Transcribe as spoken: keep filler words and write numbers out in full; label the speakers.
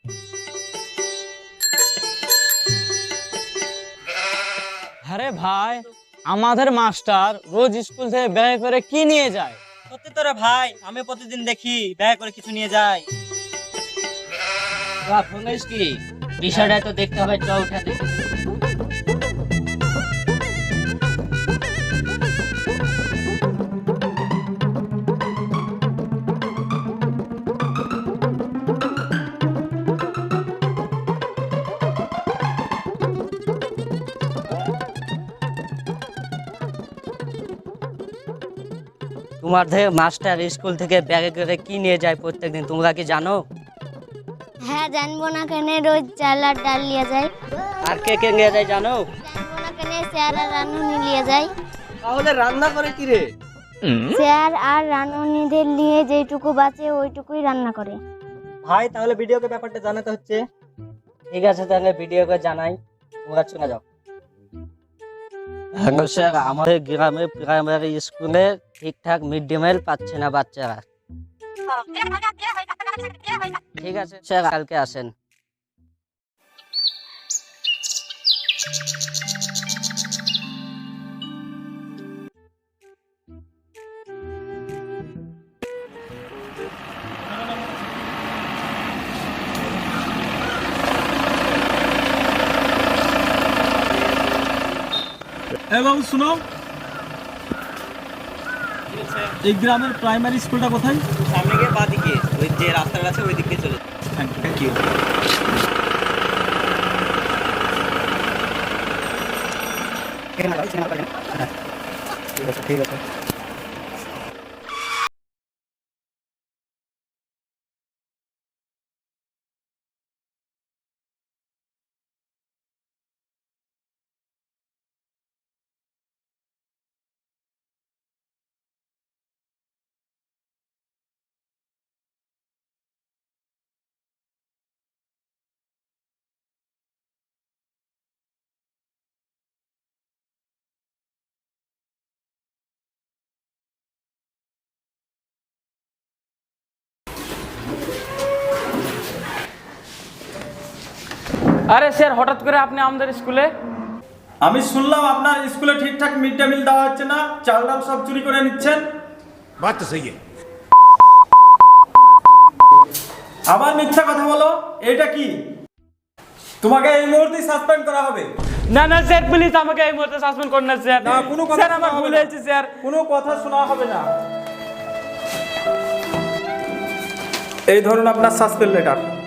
Speaker 1: আরে ভাই, আমাদের মাস্টার রোজ স্কুল থেকে ব্যাগে করে কি নিয়ে যায়?
Speaker 2: সত্যি তো রে ভাই, আমি প্রতিদিন দেখি ব্যাগ করে কিছু নিয়ে যায়।
Speaker 3: কি বিষয়টা তো দেখতে হবে, চল উঠে দেখি। তোমাদের মাস্টার স্কুল থেকে ব্যাগে করে কি নিয়ে যায় প্রত্যেকদিন, তোমরা কি জানো?
Speaker 4: হ্যাঁ, জানবো না কেন, রোজ চাল আর ডাল নিয়ে যায়।
Speaker 3: আর কে কে নিয়ে যায় জানো?
Speaker 4: জানবো না কেন, স্যার আর রানুনি নিয়ে যায়।
Speaker 5: তাহলে রান্না করে কি রে?
Speaker 4: স্যার আর রানুনিদের নিয়ে যেটুকু বাঁচে ওইটুকুই রান্না করে।
Speaker 2: ভাই তাহলে ভিডিওকে ব্যাপারটা জানাতে হচ্ছে।
Speaker 3: ঠিক আছে, তাহলে ভিডিওকে জানাই, তোমরা শুনে যাও। হ্যালো স্যার, আমাদের গ্রামে প্রাইমারি স্কুলে ঠিকঠাক মিড ডে মিল পাচ্ছে না বাচ্চারা। ঠিক আছে স্যার, কালকে আসেন।
Speaker 6: এবং শুনো, এই গ্রামের প্রাইমারি স্কুলটা কোথায়?
Speaker 2: সামনে গিয়ে বাঁ দিকে ওই যে রাস্তাটা আছে ওই দিকে চলে।
Speaker 6: Thank you.
Speaker 5: ঠিক আছে।
Speaker 1: আরে স্যার, হঠাৎ করে আপনি আমাদের স্কুলে?
Speaker 6: আমি শুনলাম আপনার স্কুলে ঠিকঠাক মিড ডে মিল দেওয়া হচ্ছে না, চাল ডাল সব চুরি করে নিচ্ছেন।
Speaker 7: बात तो सही है।
Speaker 6: আবার মিথ্যা কথা বলো, এটা কি? তোমাকে এই মুহূর্তে সাসপেন্ড করা হবে।
Speaker 1: না না স্যার, প্লিজ আমাকে এই মুহূর্তে সাসপেন্ড করুন না স্যার।
Speaker 6: না, কোনো কথা
Speaker 1: স্যার, আমার
Speaker 6: শোনা
Speaker 1: ভুল
Speaker 6: হবে না।
Speaker 1: হয়েছে স্যার।
Speaker 6: কোনো কথা শোনা হবে না। এই ধরুন আপনার সাসপেন্ড লেটার।